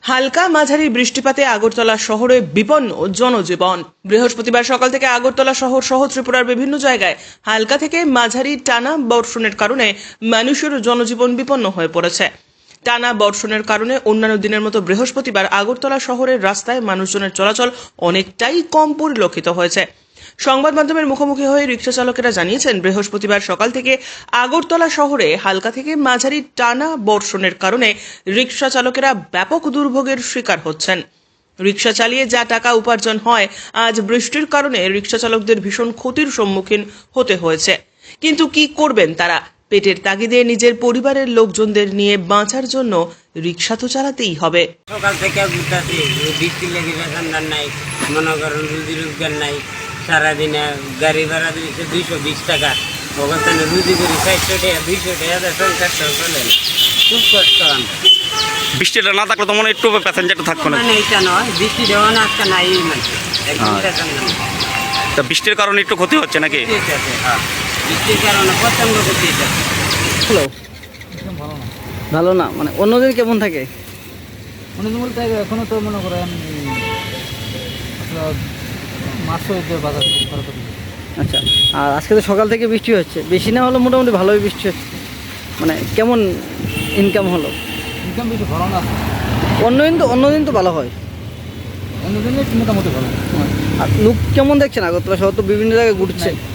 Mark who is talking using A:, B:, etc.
A: হালকা মাঝারি বৃষ্টিপাতে আগরতলা শহরে বিপন্ন জনজীবন। বৃহস্পতিবার সকাল থেকে আগরতলা শহর সহ ত্রিপুরার বিভিন্ন জায়গায় হালকা থেকে মাঝারি টানা বর্ষণের কারণে মানুষের জনজীবন বিপন্ন হয়ে পড়েছে। টানা বর্ষণের কারণে অন্যান্য দিনের মতো বৃহস্পতিবার আগরতলা শহরের রাস্তায় মানুষজনের চলাচল অনেকটাই কম পরিলক্ষিত হয়েছে। সংবাদ মাধ্যমের মুখোমুখি হয়ে রিক্সা চালকেরা জানিয়েছেন, বৃহস্পতিবার সকাল থেকে আগরতলা শহরে হালকা থেকে মাঝারি টানা বর্ষণের কারণে রিক্সা চালকেরা ব্যাপক দুর্ভোগের শিকার হচ্ছেন। রিক্সা চালিয়ে যা টাকা উপার্জন হয়, আজ বৃষ্টির কারণে রিক্সা চালকদের ভীষণ ক্ষতির সম্মুখীন হতে হয়েছে। কিন্তু কি করবেন তারা? পেটের তাগিদে নিজের পরিবারের লোকজনদের নিয়ে বাঁচার জন্য রিক্সা তো চালাতেই হবে।
B: সকাল থেকে ঘুরতেছি, বৃষ্টি লেগে বেতনদার নাই, মনে করেন রুজি রোজগার নাই। সারাদিনে গাড়ি ভাড়া দিয়েছে 220 টাকা, ওখানে রুজি করি 400 টাকা 200 টাকা সংসার চলে না, খুব কষ্ট। আমরা
C: বৃষ্টিটা না থাকলে তো মনে হয় একটু প্যাসেঞ্জারটা থাকতো না।
B: মানে এটা নয়, বৃষ্টি দেওয়া না আজকে নাই, মানে একদম প্যাসেঞ্জার নেই।
C: তা বৃষ্টির কারণে একটু ক্ষতি হচ্ছে নাকি?
B: ঠিক আছে, হ্যাঁ, বৃষ্টির কারণে প্রচন্ড ক্ষতি হচ্ছে।
D: হ্যালো, ভালো না মানে অন্যদিন কেমন থাকে?
E: অন্যদিন বলতে এখনও তো মনে করেন মার্চও বাজার খরচ।
D: আচ্ছা, আর আজকে তো সকাল থেকে বৃষ্টি হচ্ছে, বেশি না হলো মোটামুটি ভালোই বৃষ্টি হচ্ছে। মানে কেমন ইনকাম হলো?
E: ইনকাম বেশি ভালো না,
D: অন্যদিন তো ভালো হয়।
E: অন্যদিনে মোটামুটি ভালো।
D: আর লোক কেমন দেখছেন? আগরতলা শহর তো বিভিন্ন জায়গায় ঘুরছে।